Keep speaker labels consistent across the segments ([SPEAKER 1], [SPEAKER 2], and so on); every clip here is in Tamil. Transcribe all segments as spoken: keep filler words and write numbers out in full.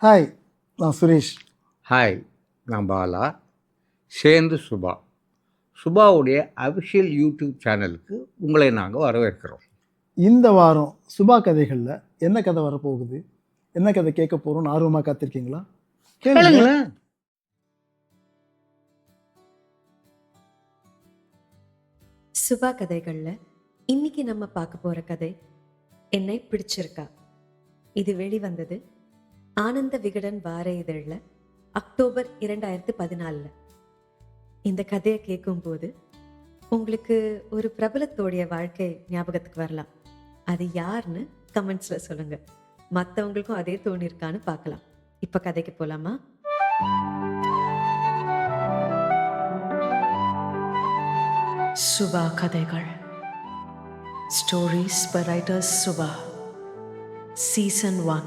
[SPEAKER 1] ஹாய், நான் சுரேஷ்.
[SPEAKER 2] ஹாய், நான் பாலா. சேர்ந்து சுபா. சுபாவுடைய அஃபிஷியல் யூடியூப் சேனலுக்கு உங்களை நாங்கள் வரவேற்கிறோம்.
[SPEAKER 1] இந்த வாரம் சுபா கதைகளில் என்ன கதை வரப்போகுது, என்ன கதை கேட்க போகிறோம்னு ஆர்வமாக காத்திருக்கீங்களா?
[SPEAKER 2] கேளுங்களேன்.
[SPEAKER 3] சுபா கதைகளில் இன்னைக்கு நம்ம பார்க்க போகிற கதை என்னை பிடிச்சிருக்கா. இது வெளிவந்தது ஆனந்த விகடன் வார இதழில் அக்டோபர் இரண்டாயிரத்து பதினாலில். இந்த கதையை கேட்கும்போது உங்களுக்கு ஒரு பிரபலத்தோடைய வாழ்க்கை ஞாபகத்துக்கு வரலாம். அது யாருன்னு கமெண்ட்ஸில் சொல்லுங்கள். மற்றவங்களுக்கும் அதே தோணிருக்கான்னு பார்க்கலாம். இப்போ கதைக்கு போகலாமா?
[SPEAKER 4] சுபா கதைகள். Stories by writers Subha. Season one.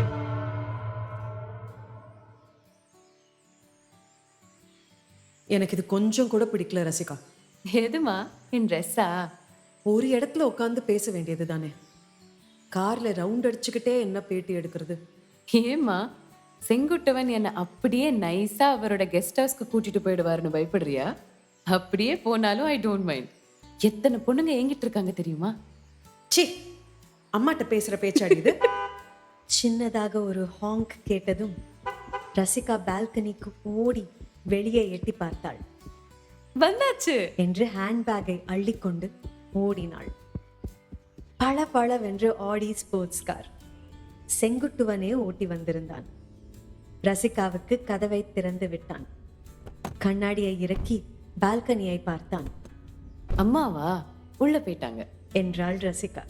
[SPEAKER 4] எனக்கு இது கொஞ்சம் கூட பிடிக்கல ரசிகா.
[SPEAKER 5] எதுமா? என் ட்ரெஸ்ஸா?
[SPEAKER 4] ஒரு இடத்துல உட்காந்து பேச வேண்டியது தானே. கார்ல ரவுண்ட் அடிச்சுக்கிட்டே என்ன பேட்டி எடுக்கிறது?
[SPEAKER 5] ஏம்மா, செங்குட்டவன் என்னை அப்படியே நைஸா அவரோட கெஸ்ட் ஹவுஸ்க்கு கூட்டிட்டு போயிடுவாருன்னு பயப்படுறியா? அப்படியே போனாலும் ஐ டோன்ட் மைண்ட். எத்தனை பொண்ணுங்க ஏங்கிட்டு இருக்காங்க தெரியுமா?
[SPEAKER 4] சி, அம்மாட்ட பேசுற பேச்சாடிது.
[SPEAKER 3] சின்னதாக ஒரு ஹாங்க் கேட்டதும் ரசிகா பால்கனிக்கு ஓடி வெளியே எட்டி பார்த்தாள்.
[SPEAKER 5] வந்தாச்சு
[SPEAKER 3] என்று ஹேண்ட்பேக்கை அள்ளிக்கொண்டு ஓடினாள். பல பளவென்று ஆடி ஸ்போர்ட்ஸ் கார் செங்குட்டுவனே ஓட்டி வந்திருந்தான். ரசிகாவுக்கு கதவை திறந்து விட்டான். கண்ணாடியை இறக்கி பால்கனியை பார்த்தான்.
[SPEAKER 5] அம்மாவா? உள்ள போயிட்டாங்க
[SPEAKER 3] என்றாள் ரசிகா.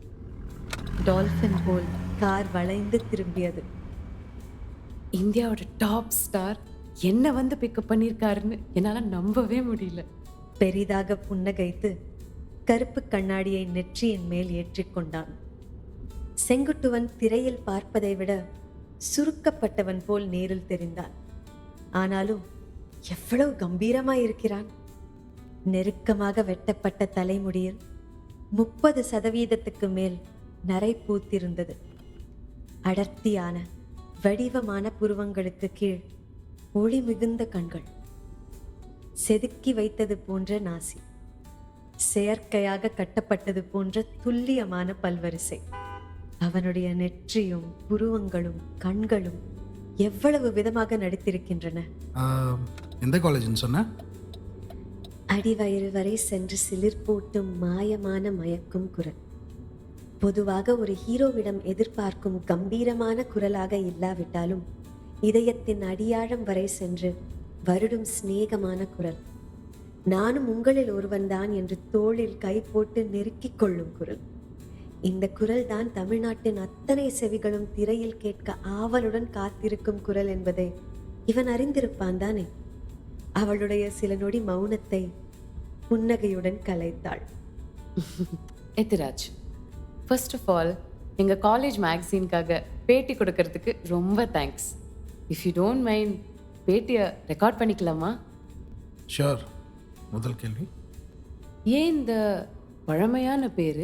[SPEAKER 3] டால்பின் போல் கார் வளைந்து திரும்பியது.
[SPEAKER 5] இந்தியாவோட டாப் ஸ்டார் என்ன வந்து பிக்கப் பண்ணியிருக்காருன்னு என்னால நம்பவே முடியல.
[SPEAKER 3] பெரிதாக புன்னகைத்து கருப்பு கண்ணாடியை நெற்றியின் மேல் ஏற்றிக்கொண்டான். செங்குட்டுவன் திரையில் பார்ப்பதை விட சுருக்கப்பட்டவன் போல் நேரில் தெரிந்தான். ஆனாலும் எவ்வளவு கம்பீரமாய் இருக்கிறான். நெருக்கமாக வெட்டப்பட்ட தலைமுடியில் முப்பது சதவீதத்துக்கு மேல் நரை பூத்திருந்தது. அடர்த்தியான வடிவமான புருவங்களுக்கு கீழ் ஒளி மிகுந்த கண்கள், செதுக்கி வைத்தது போன்ற நாசி, செயற்கையாக கட்டப்பட்டது போன்ற துல்லியமான பல்வரிசை. அவனுடைய நெற்றியும் புருவங்களும் கண்களும் எவ்வளவு விதமாக நடித்திருக்கின்றன.
[SPEAKER 6] எந்த காலேஜ்னு சொன்ன?
[SPEAKER 3] அடிவயிறு வரை சென்று சிலிர் போட்டும் மாயமான மயக்கும் குரல். பொதுவாக ஒரு ஹீரோவிடம் எதிர்பார்க்கும் கம்பீரமான குரலாக இல்லாவிட்டாலும் இதயத்தின் அடியாழம் வரை சென்று வருடும் சிநேகமான குரல். நானும் உங்களில் ஒருவன்தான் என்று தோளில் கை போட்டு நெருக்கிக் கொள்ளும் குரல். இந்த குரல் தான் தமிழ்நாட்டின் அத்தனை செவிகளும் திரையில் கேட்க ஆவலுடன் காத்திருக்கும் குரல் என்பதை இவன் அறிந்திருப்பான் தானே. அவளுடைய சில நொடி மௌனத்தை புன்னகையுடன் கலைத்தாள்.
[SPEAKER 5] எத்திராஜ், ஃபர்ஸ்ட் ஆஃப் ஆல் எங்கள் காலேஜ் மேக்சின்காக பேட்டி கொடுக்கறதுக்கு ரொம்ப thanks. If you don't mind, பேட்டியை ரெக்கார்ட் பண்ணிக்கலாமா?
[SPEAKER 6] ஷோர். முதல் கேள்வி,
[SPEAKER 5] ஏன் இந்த பழமையான பேரு?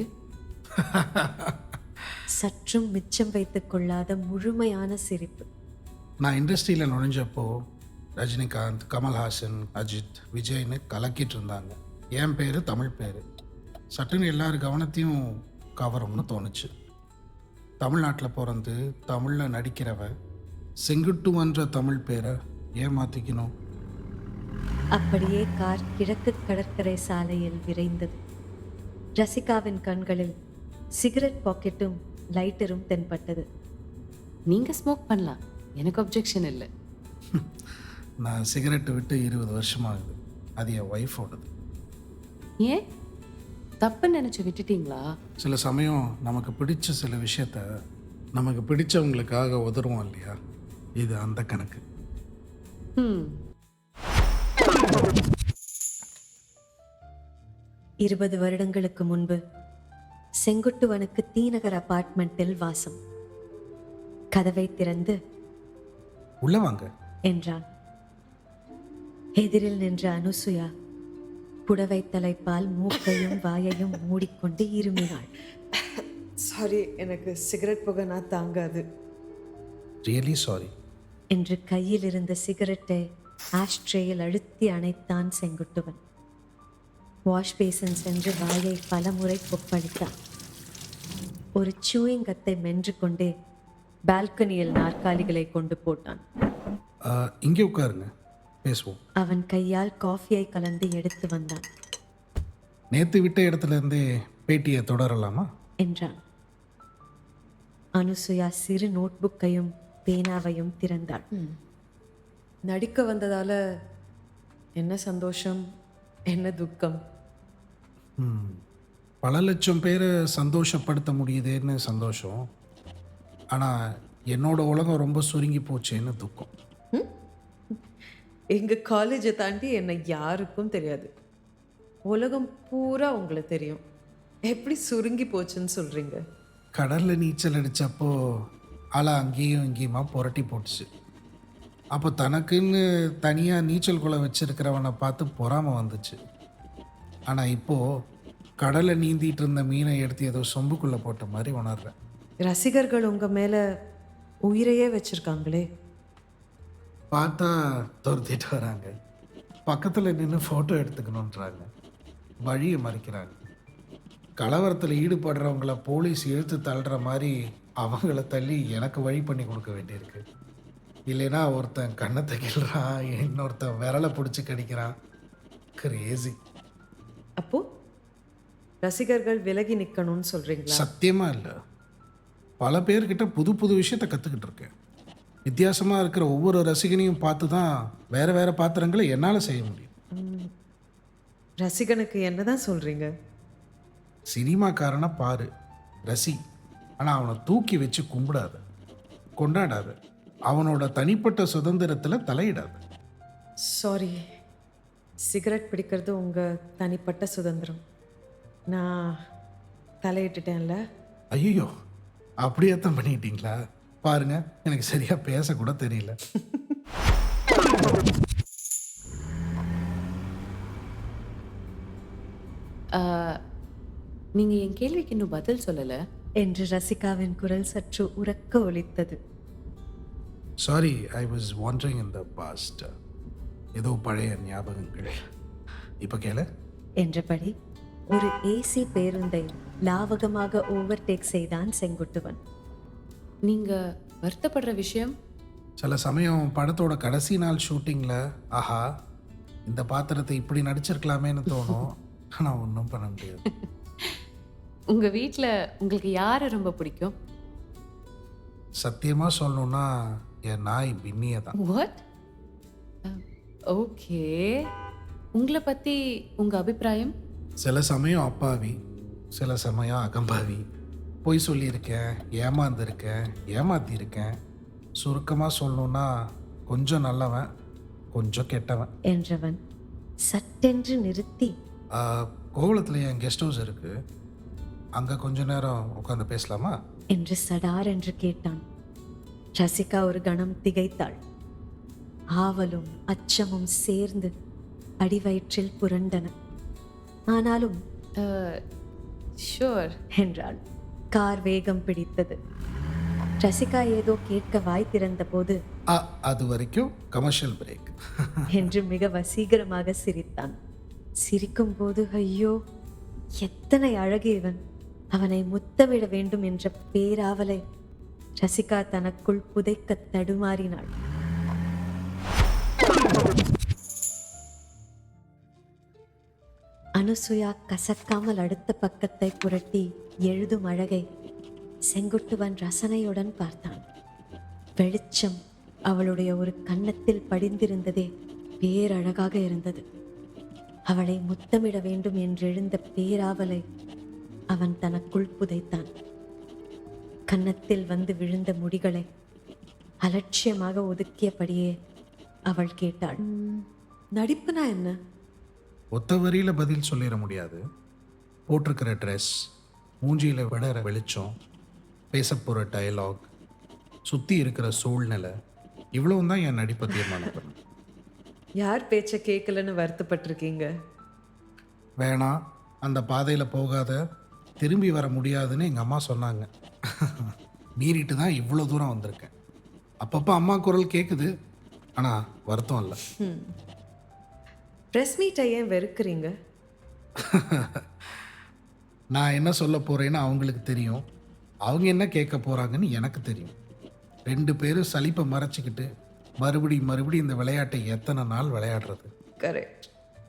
[SPEAKER 3] சற்றும் மிச்சம் வைத்துக் கொள்ளாத முழுமையான சிரிப்பு.
[SPEAKER 6] நான் இண்டஸ்ட்ரியில் நுழைஞ்சப்போ ரஜினிகாந்த், கமல்ஹாசன், அஜித், விஜய்னு கலக்கிட்டு இருந்தாங்க. என் பேர் தமிழ் பேர். சட்டுன்னு எல்லார் கவனத்தையும் கவரும்னு தோணுச்சு. தமிழ்நாட்டில் பிறந்து தமிழில் நடிக்கிறவன் செங்குட்டுவன்ற தமிழ் பேரை ஏன் மாற்றிக்கணும்?
[SPEAKER 3] அப்படியே கார் கிழக்கு கடற்கரை சாலையில் விரைந்தது. ரசிகாவின் கண்களில் சிகரெட் பாக்கெட்டும் லைட்டரும் தென்பட்டது.
[SPEAKER 5] நீங்கள் ஸ்மோக் பண்ணலாம், எனக்கு அப்ஜெக்ஷன் இல்லை.
[SPEAKER 6] நான் சிகரெட்டு விட்டு இருபது வருஷமாகுது. அது என் ஒய்ஃபோடது.
[SPEAKER 5] ஏன் தப்புன்னு நினச்சி விட்டுட்டீங்களா?
[SPEAKER 6] சில சமயம் நமக்கு பிடிச்ச சில விஷயத்த நமக்கு பிடிச்சவங்களுக்காக உதறுவோம் இல்லையா? இது அந்த கணக்கு.
[SPEAKER 5] ம்
[SPEAKER 3] இருபது வருடங்களுக்கு முன்பு செங்குட்டுவனுக்கு தீநகர் அபார்ட்மெண்ட்டில் வாசம். கதவை திறந்து
[SPEAKER 6] உள்ள வாங்க
[SPEAKER 3] என்றான். எதிரில் நின்ற அனுசுயா புடவை தலைப்பால் மூக்கையும் வாயையும் மூடிக்கொண்டு இருமினாள்.
[SPEAKER 4] சாரி, எனக்கு சிகரெட் புகைனா தாங்காது.
[SPEAKER 6] Really sorry.
[SPEAKER 3] என்று கையில் இருந்த சிகரெட்டை ஆஷ்ட்ரேயில் அழுத்தி அணைத்தான் செங்குட்டுவன். வாஷ் பேசன் சென்று வாயை பலமுறை கொப்பளித்தான். ஒரு சூயிங்கத்தை மென்று கொண்டே பால்கனியில் நாற்காலிகளை கொண்டு போட்டான்.
[SPEAKER 6] இங்கே உட்காருங்க, பேசுவோம்.
[SPEAKER 3] அவன் கையால் காஃபியை கலந்து எடுத்து வந்தான்.
[SPEAKER 6] நேற்று விட்ட இடத்துல இருந்தே பேட்டியை தொடரலாமா
[SPEAKER 3] என்றான். அனுசுயா சிறு நோட்புக்கையும் பேனாவையும் திறந்தாள்.
[SPEAKER 4] நடிக்க வந்ததால என்ன சந்தோஷம், என்ன துக்கம்.
[SPEAKER 6] ம், பல லட்சம் பேரை சந்தோஷப்படுத்த முடியுதேன்னு சந்தோஷம். ஆனால் என்னோட உலகம் ரொம்ப சுருங்கி போச்சேன்னு துக்கம்.
[SPEAKER 4] எங்க காலேஜை தாண்டி என்னை யாருக்கும் தெரியாது. உலகம் பூரா உங்களுக்கு தெரியும். எப்படி சுருங்கி போச்சுன்னு சொல்றீங்க?
[SPEAKER 6] கடலில் நீச்சல் அடித்தப்போ அலை அங்கேயும் இங்கேயுமா புரட்டி போட்டுச்சு. அப்போ தனக்குன்னு தனியாக நீச்சல் குளம் வச்சிருக்கிறவனை பார்த்து பொறாமை வந்துச்சு. ஆனால் இப்போது கடலை நீந்திட்டு இருந்த மீனை எடுத்து ஏதோ சொம்புக்குள்ளே போட்ட மாதிரி உணர்றேன்.
[SPEAKER 4] ரசிகர்கள் உங்க மேல உயிரையே வச்சிருக்காங்களே.
[SPEAKER 6] பார்த்தா துரத்திட்டு வராங்க, பக்கத்தில் நின்று ஃபோட்டோ எடுத்துக்கணுன்றாங்க, வழியை மறிக்கிறாங்க. கலவரத்தில் ஈடுபடுறவங்கள போலீஸ் இழுத்து தள்ளுற மாதிரி அவங்கள தள்ளி எனக்கு வழி பண்ணி கொடுக்க வேண்டியிருக்கு. இல்லைன்னா ஒருத்தன் கண்ணத்தை கிள்றான், இன்னொருத்தன் விரலை பிடிச்சி கடிக்கிறான். கிரேசி.
[SPEAKER 4] அப்போ ரசிகர்கள் விலகி நிக்கணும்னு சொல்றீங்களா?
[SPEAKER 6] சத்தியமாக இல்லை. பல பேர்கிட்ட புது புது விஷயத்தை கற்றுக்கிட்டு இருக்கேன். வித்தியாசமாக இருக்கிற ஒவ்வொரு ரசிகனையும் பார்த்து தான் வேறு வேறு பாத்திரங்களை என்னால் செய்ய முடியும்.
[SPEAKER 4] ரசிகனுக்கு என்னதான் சொல்றீங்க?
[SPEAKER 6] சினிமாக்காரனை பாரு, ரசி. ஆனால் அவனை தூக்கி வச்சு கும்பிடாத, கொண்டாடாத, அவனோட தனிப்பட்ட சுதந்திரத்தில் தலையிடாத.
[SPEAKER 4] சாரி, சிகரெட் பிடிக்கிறது உங்க தனிப்பட்ட சுதந்திரம். நான் தலையிட்டுட்டேன்ல.
[SPEAKER 6] ஐயோ, அப்படியே தான் பண்ணிட்டீங்களா? பாருங்க, எனக்கு சரியா பேசக்கூட தெரியல.
[SPEAKER 5] நீங்கள் என் கேள்விக்கு இன்னும் பதில் சொல்லலை
[SPEAKER 3] என்று ரசிகாவின் குரல் சற்று உரக்க ஒலித்தது.
[SPEAKER 6] Sorry, I was wandering in the past. ஏதோ பழைய ஞாபகங்கள். இப்போ கேள
[SPEAKER 3] என்றபடி ஒரு ஏசி பேருந்தை லாவகமாக ஓவர்டேக் செய்தான் செங்குட்டுவன்.
[SPEAKER 5] நீங்கள் வருத்தப்படுற விஷயம்?
[SPEAKER 6] சில சமயம் படத்தோட கடைசி நாள் ஷூட்டிங்கில் ஆஹா இந்த பாத்திரத்தை இப்படி நடிச்சிருக்கலாமேன்னு தோணும். ஆனால் ஒன்றும் பண்ண முடியாது.
[SPEAKER 5] உங்கள் வீட்டில் உங்களுக்கு யாரை ரொம்ப பிடிக்கும்?
[SPEAKER 6] சத்தியமாக சொல்லணுன்னா என் நாய் பின்னியை தான்.
[SPEAKER 5] வாட்? ஓகே, உங்களை பற்றி உங்கள் அபிப்பிராயம்?
[SPEAKER 6] சில சமயம் அப்பாவி, சில சமயம் அகம்பாவி. பொய் சொல்லியிருக்கேன், ஏமாந்துருக்கேன், ஏமாத்தியிருக்கேன். சுருக்கமாக சொல்லணுன்னா கொஞ்சம் நல்லவன், கொஞ்சம் கெட்டவன்
[SPEAKER 3] என்றவன் சட்டென்று நிறுத்தி,
[SPEAKER 6] கோவளத்தில் என் கெஸ்ட் ஹவுஸ் இருக்குது, அங்கே கொஞ்ச நேரம் உட்காந்து பேசலாமா
[SPEAKER 3] என்று சடார் என்று கேட்டான். ரசிகா ஒரு கணம் திகைத்தாள். ஆவலும் அச்சமும் சேர்ந்து அடிவயிற்றில் புரண்டன. ஆனாலும்
[SPEAKER 5] ஷூர்
[SPEAKER 3] என்றாள். கார் வேகம் பிடித்தது. ரசிகா ஏதோ கேட்க வாய் திறந்த போது
[SPEAKER 6] அது வரைக்கும் கமர்ஷியல் பிரேக்
[SPEAKER 3] என்று மிக வசீகரமாக சிரித்தான். சிரிக்கும் போது ஐயோ எத்தனை அழகு இவன், அவனை முத்தமிட வேண்டும் என்ற பேராவலை ரசிகா தனக்குள் புதைக்க தடுமாறினாள். அனுசுயா கசக்காமல் அடுத்த பக்கத்தை புரட்டி எழுதும் அழகை செங்குட்டுவன் ரசனையுடன் பார்த்தான். வெளிச்சம் அவளுடைய ஒரு கன்னத்தில் படிந்திருந்ததே பேரழகாக இருந்தது. அவளை முத்தமிட வேண்டும் என்றெழுந்த பேராவலை அவன் தனக்குள் புதைத்தான். கன்னத்தில் வந்து விழுந்த முடிகளை அலட்சியமாக ஒதுக்கியபடியே அவள் கேட்டாள்,
[SPEAKER 4] நடிப்புனா என்ன?
[SPEAKER 6] ஒத்த வரியில் பதில் சொல்லிட முடியாது. போட்டிருக்கிற ட்ரெஸ், மூஞ்சியில் விடற வெளிச்சம், பேச போகிற டயலாக், சுற்றி இருக்கிற சூழ்நிலை, இவ்வளவும் தான் என் நடிப்பை தீர்மானம் பண்ணும்.
[SPEAKER 4] யார் பேச்சை கேட்கலன்னு வருத்தப்பட்டிருக்கீங்க?
[SPEAKER 6] வேணாம், அந்த பாதையில் போகாத, திரும்பி வர முடியாதுன்னு எங்கள் அம்மா சொன்னாங்க. மீறிட்டு தான் இவ்வளோ தூரம் வந்திருக்கேன். அப்பப்போ அம்மா குரல் கேட்குது, ஆனால் வருத்தம் இல்லை.
[SPEAKER 4] ப்ரெஸ் மீட்டை ஏன் வெறுக்கிறீங்க?
[SPEAKER 6] நான் என்ன சொல்ல போகிறேன்னு அவங்களுக்கு தெரியும், அவங்க என்ன கேட்க போகிறாங்கன்னு எனக்கு தெரியும். ரெண்டு பேரும் சலிப்பை மறைச்சிக்கிட்டு மறுபடி மறுபடி இந்த விளையாட்டை எத்தனை நாள் விளையாடுறது?
[SPEAKER 4] கரெக்ட்.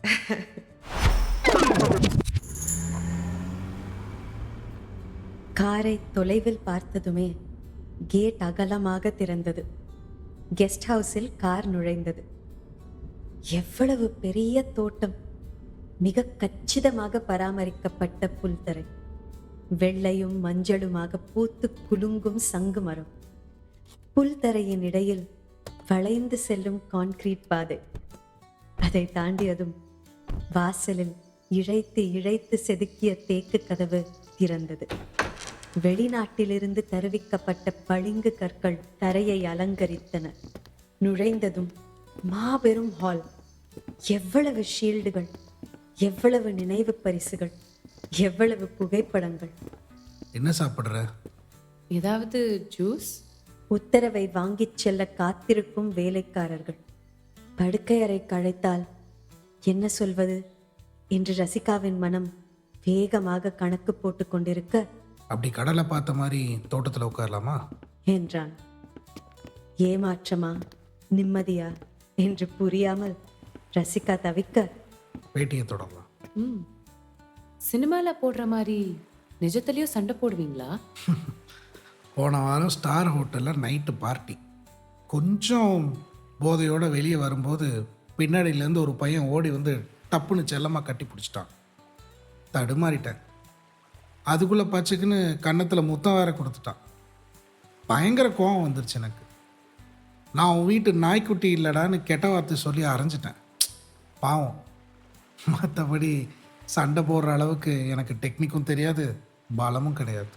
[SPEAKER 3] காரை தொலைவில் பார்த்ததுமே கேட் அகலமாக திறந்தது. கெஸ்ட் ஹவுஸில் கார் நுழைந்தது. எவ்வளவு பெரிய தோட்டம்! மிக கச்சிதமாக பராமரிக்கப்பட்ட புல்தரை, வெள்ளையும் மஞ்சளுமாக பூத்து குலுங்கும் சங்கு மரம், புல்தரையின் இடையில் வளைந்து செல்லும் கான்கிரீட் பாதை. அதை தாண்டியதும் வாசலில் இழைத்து இழைத்து செதுக்கிய தேக்கு கதவு திறந்தது. வெளிநாட்டிலிருந்து தருவிக்கப்பட்ட பளிங்கு கற்கள் தரையை அலங்கரித்தன. நுழைந்ததும் மாபெரும் ஹால். எவ்வளவு ஷீல்டுகள், எவ்வளவு நினைவு பரிசுகள், எவ்வளவு புகைப்படங்கள்!
[SPEAKER 6] என்ன சாப்பிட்ற?
[SPEAKER 5] ஏதாவது ஜூஸ்?
[SPEAKER 3] உத்தரவை வாங்கிச் செல்ல காத்திருக்கும் வேலைக்காரர்கள். படுக்கை அறை கழைத்தால் என்ன சொல்வது என்று ரசிகாவின் மனம் வேகமாக கணக்கு போட்டு கொண்டிருக்க,
[SPEAKER 6] அப்படி கடலை பார்த்த மாதிரி தோட்டத்தில் உட்காரலாமா
[SPEAKER 3] என்றான். ஏமாற்றமா நிம்மதியா என்று புரியாமல் ரசிகா தவிக்க,
[SPEAKER 6] பேட்டியை தொடரலாம்.
[SPEAKER 5] ம் சினிமாவில் போடுற மாதிரி நிஜத்துலேயும் சண்டை போடுவீங்களா?
[SPEAKER 6] போன வாரம் ஸ்டார் ஹோட்டலில் நைட்டு பார்ட்டி. கொஞ்சம் போதையோடு வெளியே வரும்போது பின்னாடியிலேருந்து ஒரு பையன் ஓடி வந்து டப்புன்னு செல்லமாக கட்டி பிடிச்சிட்டான். தடுமாறிட்டேன். அதுக்குள்ளே பச்சைக்குன்னு கன்னத்தில் முத்தம் வேற கொடுத்துட்டான். பயங்கர கோவம் வந்துருச்சு எனக்கு. நான் உன் வீட்டு நாய்க்குட்டி இல்லடான்னு கெட்ட வார்த்தை சொல்லி அரைஞ்சிட்டேன். பாவம். மற்றபடி சண்டை போடுற அளவுக்கு எனக்கு டெக்னிக்கும் தெரியாது, பலமும் கிடையாது.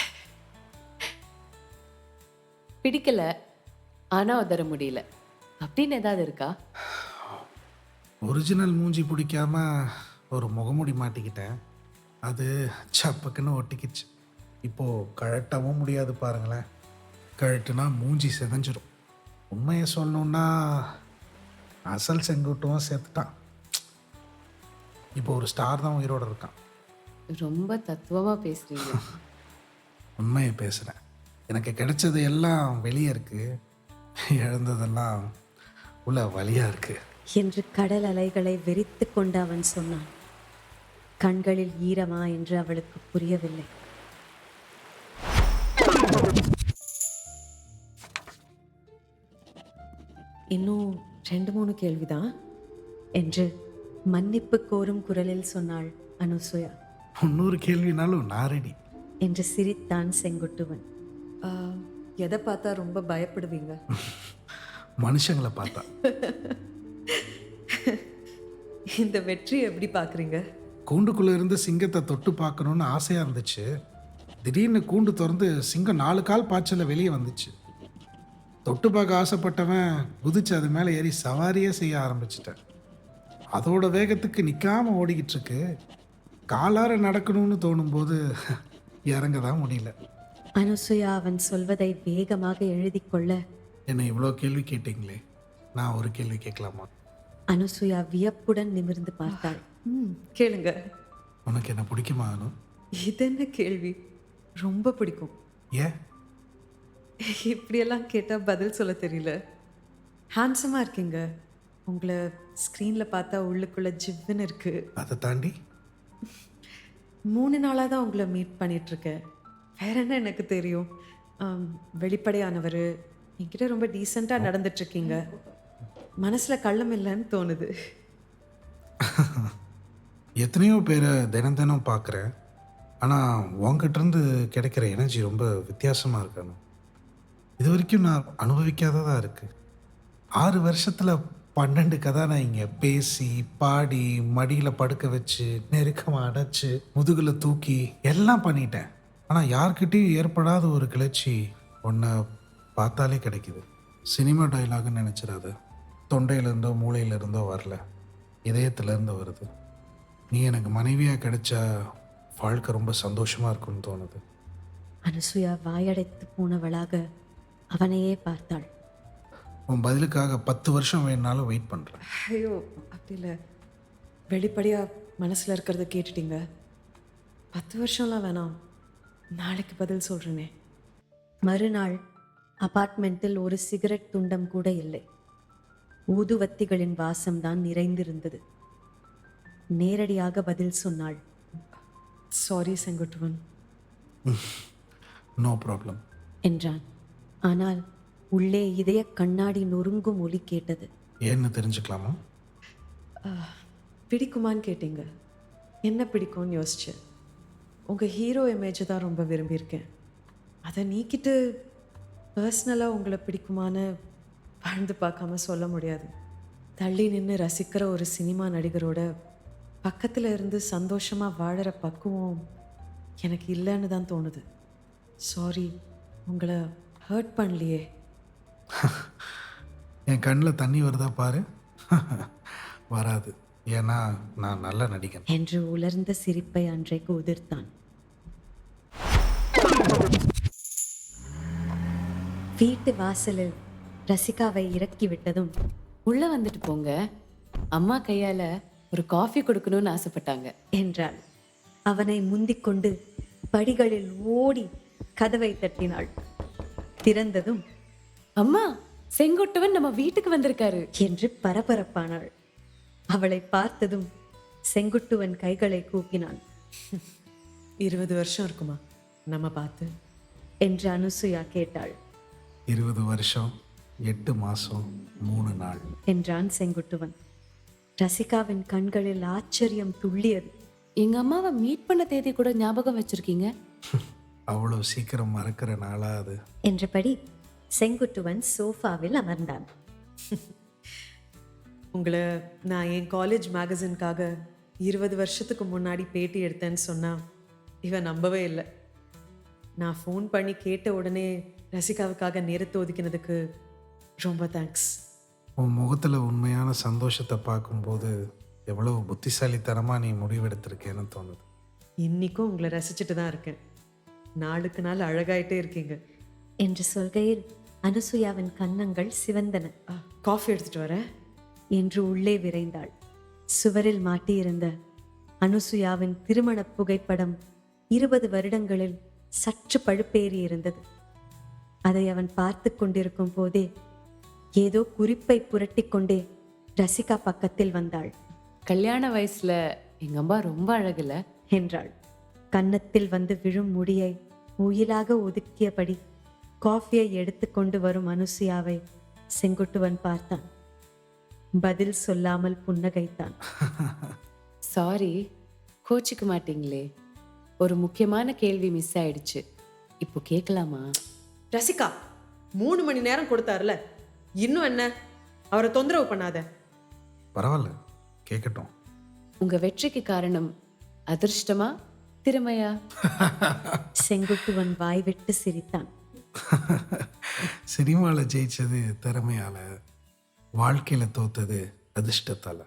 [SPEAKER 5] பிடிக்கல ஆனா உதற முடியல அப்படின்னு ஏதாவது இருக்கா?
[SPEAKER 6] ஒரிஜினல் மூஞ்சி பிடிக்காம ஒரு முகமூடி மாட்டிக்கிட்டேன். அது சப்பக்குன்னு ஒட்டிக்கிச்சு. இப்போது கழட்டவும் முடியாது பாருங்களேன். கழட்டுனா மூஞ்சி செதஞ்சிடும். உண்மையை சொல்லணுன்னா அசல் செங்குட்டுவும் சேர்த்துட்டான். இப்போ ஒரு ஸ்டார் தான் உயிரோடு இருக்கான்.
[SPEAKER 5] ரொம்ப தத்துவமா பேசுறீங்க.
[SPEAKER 6] உண்மையை பேசுகிறேன். எனக்கு கிடைச்சது எல்லாம் வெளியே இருக்குது, இழந்ததெல்லாம் உள்ள வழியாக இருக்குது
[SPEAKER 3] என்று கடல் அலைகளை வெறித்து கொண்டு அவன் சொன்னான். கண்களில் ஈரமா என்று அவளுக்கு புரியவில்லை.
[SPEAKER 4] இன்னும் ரெண்டு மூணு கேள்விதான்
[SPEAKER 3] என்று மன்னிப்பு கோரும் குரலில் சொன்னாள் அனுசுயா.
[SPEAKER 6] முன்னூறு கேள்வினாலும் நான் ரெடி
[SPEAKER 3] என்று சிரித்தான் செங்குட்டுவன்.
[SPEAKER 4] ஆஹ், எதை பார்த்தா ரொம்ப பயப்படுவீங்க?
[SPEAKER 6] மனுஷங்களை பார்த்தா.
[SPEAKER 4] இந்த வெற்றி எப்படி பார்க்குறீங்க?
[SPEAKER 6] கூண்டுக்குள்ளே இருந்து சிங்கத்தை தொட்டு பார்க்கணுன்னு ஆசையாக இருந்துச்சு. திடீர்னு கூண்டு திறந்து சிங்கம் நாலு கால் பாய்ச்சலில் வெளியே வந்துச்சு. தொட்டு பார்க்க ஆசைப்பட்டவன் குதிச்சு அது மேலே ஏறி சவாரியே செய்ய ஆரம்பிச்சிட்டேன். அதோட வேகத்துக்கு நிற்காமல் ஓடிக்கிட்டு இருக்கு. காலார நடக்கணும்னு தோணும்போது இறங்க தான் முடியல.
[SPEAKER 3] அனுசுயா அவன் சொல்வதை வேகமாக எழுதி கொள்ள,
[SPEAKER 6] என்னை இவ்வளோ கேள்வி கேட்டீங்களே, நான் ஒரு கேள்வி கேட்கலாமா?
[SPEAKER 3] அனுசுயா வியப்புடன் நிமிர்ந்து பார்த்தாள்.
[SPEAKER 4] ம் கேளுங்க.
[SPEAKER 6] உனக்கு என்ன பிடிக்குமா அனு?
[SPEAKER 4] இது என்ன கேள்வி? ரொம்ப பிடிக்கும்.
[SPEAKER 6] ஏன்?
[SPEAKER 4] இப்படியெல்லாம் கேட்டால் பதில் சொல்ல தெரியல. ஹேண்ட்ஸமாக இருக்கீங்க. உங்களை ஸ்க்ரீனில் பார்த்தா உள்ளுக்குள்ளே ஜிவ்வுன்னு இருக்குது.
[SPEAKER 6] அதை தாண்டி
[SPEAKER 4] மூணு நாளாக தான் உங்களை மீட் பண்ணிகிட்ருக்கேன். வேற என்ன எனக்கு தெரியும்? ஆம், வெளிப்படையானவர், என்கிட்ட ரொம்ப டீசெண்டாக நடந்துட்டுருக்கீங்க. மனசில் கள்ளம் இல்லைன்னு தோணுது.
[SPEAKER 6] எத்தனையோ பேரை தினம் தினம் பார்க்குறேன். ஆனால் உங்ககிட்டருந்து கிடைக்கிற எனர்ஜி ரொம்ப வித்தியாசமாக இருக்கணும். இது வரைக்கும் நான் அனுபவிக்காததாக இருக்குது. ஆறு வருஷத்தில் பன்னெண்டு கதை நான் இங்கே பேசி பாடி மடியில் படுக்க வச்சு நெருக்கமாக அடைச்சி முதுகில் தூக்கி எல்லாம் பண்ணிட்டேன். ஆனால் யார்கிட்டையும் ஏற்படாத ஒரு கிளர்ச்சி ஒன்றை பார்த்தாலே கிடைக்குது. சினிமா டைலாகுன்னு நினச்சிடாத. தொண்டையிலேருந்தோ மூளையிலேருந்தோ வரல, இதயத்துலேருந்து வருது. நீ எனக்கு மனைவியாக கிடைச்சா வாழ்க்கை ரொம்ப சந்தோஷமாக இருக்கும்னு தோணுது.
[SPEAKER 3] அனுசுயா வாயடைத்து போனவளாக அவனையே பார்த்தாள்.
[SPEAKER 6] உன் பதிலுக்காக பத்து வருஷம் வேணுனாலும் வெயிட் பண்ணுறேன்.
[SPEAKER 4] ஐயோ அப்படி இல்லை, வெளிப்படையாக மனசில் இருக்கிறத கேட்டுட்டீங்க. பத்து வருஷம்லாம் வேணாம், நாளைக்கு பதில் சொல்கிறேனே.
[SPEAKER 3] மறுநாள் அபார்ட்மெண்ட்டில் ஒரு சிகரெட் துண்டம் கூட இல்லை. ஊதுவத்திகளின் வாசம்தான் நிறைந்திருந்தது. நேரடியாக பதில் சொன்னாள்.
[SPEAKER 4] சாரி செங்குட்டுவன்
[SPEAKER 6] நோ ப்ராப்ளம்
[SPEAKER 3] என்றான். ஆனால் உள்ளே இதய கண்ணாடி நொறுங்கும் ஒலி கேட்டது.
[SPEAKER 6] ஏன்னு தெரிஞ்சுக்கலாமா?
[SPEAKER 4] பிடிக்குமான்னு கேட்டீங்க. என்ன பிடிக்கும்னு யோசிச்சேன். உங்கள் ஹீரோ இமேஜை தான் ரொம்ப விரும்பியிருக்கேன். அதை நீக்கிட்டு பர்சனலாக உங்களை பிடிக்குமான்னு வாழ்ந்து பார்க்காம சொல்ல முடியாது. தள்ளி நின்று ரசிக்கிற ஒரு சினிமா நடிகரோட பக்கத்தில் இருந்து சந்தோஷமாக வாழற பக்குவம் எனக்கு இல்லைன்னு தான் தோணுது. சாரி, உங்களை ஹர்ட் பண்ணலையே.
[SPEAKER 6] என் கண்ணில் தண்ணி வருதா பாரு. வராது, ஏன்னா நான் நல்ல நடிகன்
[SPEAKER 3] என்று உலர்ந்த சிரிப்பை அன்றைக்கு உதிர்த்தான். வீட்டு வாசலில் ரசிகாவை இறக்கி விட்டதும்,
[SPEAKER 5] உள்ள வந்துட்டு போங்க, அம்மா கையால ஒரு காஃபி கொடுக்கணும்னு ஆசைப்பட்டாங்க
[SPEAKER 3] என்றாள். அவனை முந்திக் கொண்டு படிகளில் ஓடி கதவை தட்டினாள். திறந்ததும்,
[SPEAKER 5] அம்மா செங்கோட்டவன் நம்ம வீட்டுக்கு வந்திருக்காரு
[SPEAKER 3] என்று பரபரப்பானாள். அவளை பார்த்ததும் செங்குட்டுவன் கைகளை கூப்பினான்.
[SPEAKER 4] இருபது வருஷம் இருக்குமா நம்ம பார்த்து
[SPEAKER 3] என்று அனுசுயா கேட்டாள்.
[SPEAKER 6] இருபது வருஷம் எட்டு மாதம் மூணு நாள்
[SPEAKER 3] என்றான் செங்குட்டுவன். ரசிகாவின் கண்களில் ஆச்சரியம் துள்ளியது.
[SPEAKER 5] எங்க அம்மாவை மீட் பண்ண தேதி கூட ஞாபகம் வச்சிருக்கீங்க.
[SPEAKER 6] அவ்வளோ சீக்கிரம் மறக்கிற நாளா அது?
[SPEAKER 3] என்றபடி செங்குட்டுவன் சோஃபாவில் அமர்ந்தான்.
[SPEAKER 4] உங்களை நான் என் காலேஜ் மேகசின்காக இருபது வருஷத்துக்கு முன்னாடி பேட்டி எடுத்தேன்னு சொன்னா இவன் நம்பவே இல்லை. நான் ஃபோன் பண்ணி கேட்ட உடனே ரசிகாவுக்காக நேரத்தை ஒதுக்கினதுக்கு ரொம்ப தேங்க்ஸ்.
[SPEAKER 6] உன் முகத்தில் உண்மையான சந்தோஷத்தை பார்க்கும்போது எவ்வளோ புத்திசாலித்தனமாக நீ முடிவெடுத்திருக்கேன்னு தோணுது.
[SPEAKER 4] இன்னிக்கும் உங்களை ரசிச்சுட்டு தான் இருக்கேன். நாளுக்கு நாள் அழகாயிட்டே இருக்கீங்க
[SPEAKER 3] என்று சொல்கையில் அனுசுயாவின் கன்னங்கள் சிவந்தன.
[SPEAKER 4] ஆ, காஃபி எடுத்துட்டு வரேன்
[SPEAKER 3] என்று உள்ளே விரைந்தாள். சுவரில் மாட்டியிருந்த அனுசுயாவின் திருமண புகைப்படம் இருபது வருடங்களில் சற்று பழுப்பேறி இருந்தது. அதை அவன் பார்த்து கொண்டிருக்கும் போதே ஏதோ குறிப்பை புரட்டி கொண்டே ரசிகா பக்கத்தில் வந்தாள்.
[SPEAKER 5] கல்யாண வயசுல எங்க அம்மா ரொம்ப அழகுல
[SPEAKER 3] என்றாள். கன்னத்தில் வந்து விழும் முடியை உயிலாக ஒதுக்கியபடி காஃபியை எடுத்துக்கொண்டு வரும் அனுசுயாவை செங்குட்டுவன் பார்த்தான். பதில் சொல்லாமல் புன்னகைத்தான்.
[SPEAKER 5] சாரி, கோச்சிக்க மாட்டீங்களே, ஒரு முக்கியமான கேள்வி மிஸ் ஆயிடுச்சு, இப்போ கேட்கலாமா?
[SPEAKER 4] ரசிகா மூணு மணி நேரம் கொடுத்தாருல, இன்னும் என்ன? அவரை தொந்தரவு பண்ணாத.
[SPEAKER 6] பரவாயில்ல, கேட்கட்டும்.
[SPEAKER 5] உங்க வெற்றிக்கு காரணம் அதிர்ஷ்டமா திறமையா?
[SPEAKER 3] செங்குட்டுவன் வாய்விட்டு சிரித்தான்.
[SPEAKER 6] சினிமாவில் ஜெயிச்சது திறமையால, வாழ்க்கையில் தோத்தது அதிர்ஷ்டத்தால.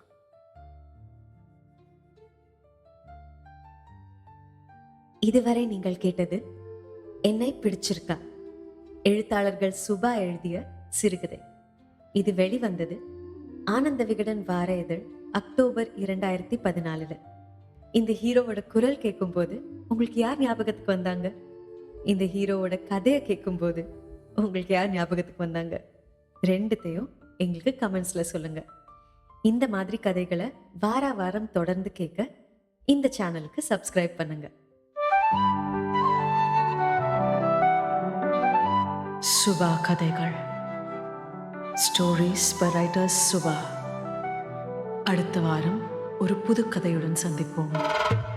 [SPEAKER 3] இதுவரை நீங்கள் கேட்டது என்னை பிடிச்சிருக்கா, எழுத்தாளர்கள் சுபா எழுதிய சிறுகதை. இது வெளிவந்தது ஆனந்த விகடன் வார இதழ் அக்டோபர் இரண்டாயிரத்தி பதினாலுல. இந்த ஹீரோவோட குரல் கேட்கும் போது உங்களுக்கு யார் ஞாபகத்துக்கு வந்தாங்க? இந்த ஹீரோவோட கதையை கேட்கும் போது உங்களுக்கு யார் ஞாபகத்துக்கு வந்தாங்க? ரெண்டுத்தையும் எங்களுக்கு கமெண்ட்ஸ்ல சொல்லுங்க. இந்த மாதிரி கதைகளை வார வாரம் தொடர்ந்து கேட்க இந்த சேனலுக்கு சப்ஸ்கிரைப் பண்ணுங்க.
[SPEAKER 4] சுபா கதைகள், ஸ்டோரிஸ் பை ரைட்டர்ஸ் சுபா. அடுத்த வாரம் ஒரு புது கதையுடன் சந்திப்போம்.